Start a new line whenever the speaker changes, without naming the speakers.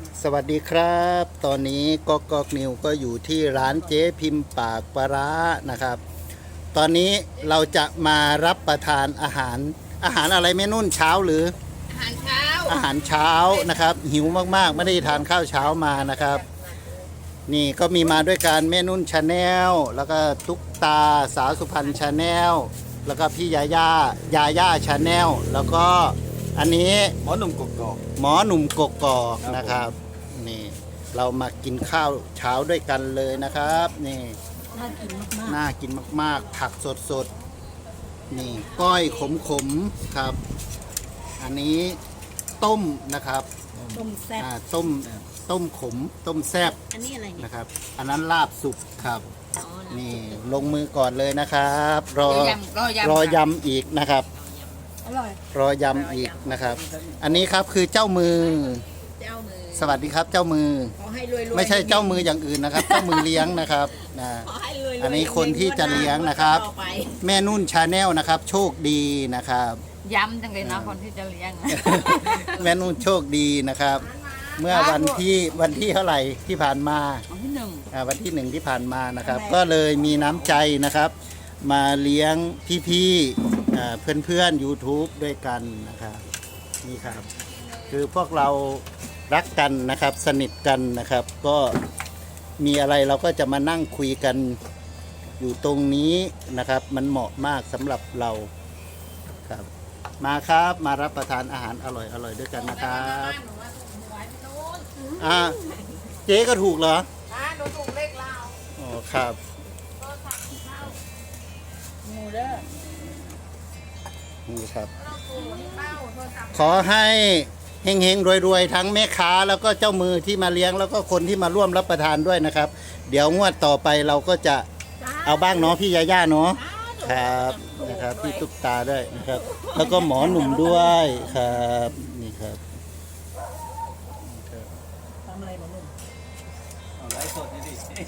สวัสดีครับ ตอนนี้ก๊อกนิวก็อยู่ที่ร้านเจ๊พิมพ์ปากปลาร้านะครับ ตอนนี้เราจะมารับประทานอาหารอะไรแม่นุ่นเช้าหรือ
อาหารเช้า
อาหารเช้านะครับ หิวมากๆไม่ได้ทานข้าวเช้ามานะครับ นี่ก็มีมาด้วยกันแม่นุ่นชาแนลแล้วก็ตุ๊กตาสาวสุพรรณชาแนลแล้วก็พี่ยาย่าชาแนลแล้วก็อันนี้
หมอหนุ่มกกอก
หมอหนุ่มกกอกนะครับนี่เรามากินข้าวเช้าด้วยกันเลยนะครับนี่
น่ากินมาก
น่ากินมากๆผักสดๆนี่ก้อยขมๆครับ อันนี้ต้มนะครับ
ๆต้มแซ่บ
ต้มขมต้มแซ่บ
อันนี้อะไรเนี่ย
นะครับ อันนั้นลาบสุกครับ
อ๋อ
นี่ลงมือก่อนเลยนะครับ รอ
รอยำ
ยำอีกนะครับ
อร่อย
รอยำอีกนะครับ อันนี้ครับคือเจ้ามือ
เจ้ามือ
สวัสดีครับเจ้ามือ
ขอให้รวยๆ
ไม่ใช่เจ้ามืออย่างอื่นนะครับ เจ้ามือเลี้ยงนะครับนะ
ขอให้รวยๆ
อันนี้คนที่จะเลี้ยงนะครับ
ต่อไป
แม่นุ่นชาแนลนะครับ โชคดีนะครับ
ย้ำจังเลยนะคนที่จะเลี้ยง
แม่นุ่นโชคดีนะครับ เมื่อวันที่เท่าไหร่ที่ผ่านมา
วันที่หนึ่ง
วันที่ 1ที่ผ่านมานะครับ ก็เลยมีน้ำใจนะครับ มาเลี้ยงพี่ๆเพื่อนๆ YouTube ด้วยกันนะครับนี่ครับ คือพวกเรารักกันนะครับ สนิทกันนะครับ ก็มีอะไรเราก็จะมานั่งคุยกันอยู่ตรงนี้นะครับ มันเหมาะมากสำหรับเราครับ มาครับมารับประทานอาหารอร่อยๆด้วยกันนะครับเจ๊ก็ถูกเหรอ
หนูถูกเลขลาว
อ๋อครับ
หมูเด้อ
นี่ครับ
เป้าโทรศัพท์
ขอให้เฮงๆรวยๆทั้งแม่ค้าแล้วก็เจ้ามือที่มาเลี้ยงแล้วก็คนที่มาร่วมรับประทานด้วยนะครับ เดี๋ยวงวดต่อไปเราก็จะเอาบ้างเนาะพี่ยาย่าเนาะครับนะครับพี่ตุ๊กตาด้วยนะครับ แล้วก็หมอหนุ่มด้วยครับนี่ครับ
ทำอะไรหมอหนุ่ม
เอาไลฟ์สดนี่ดิ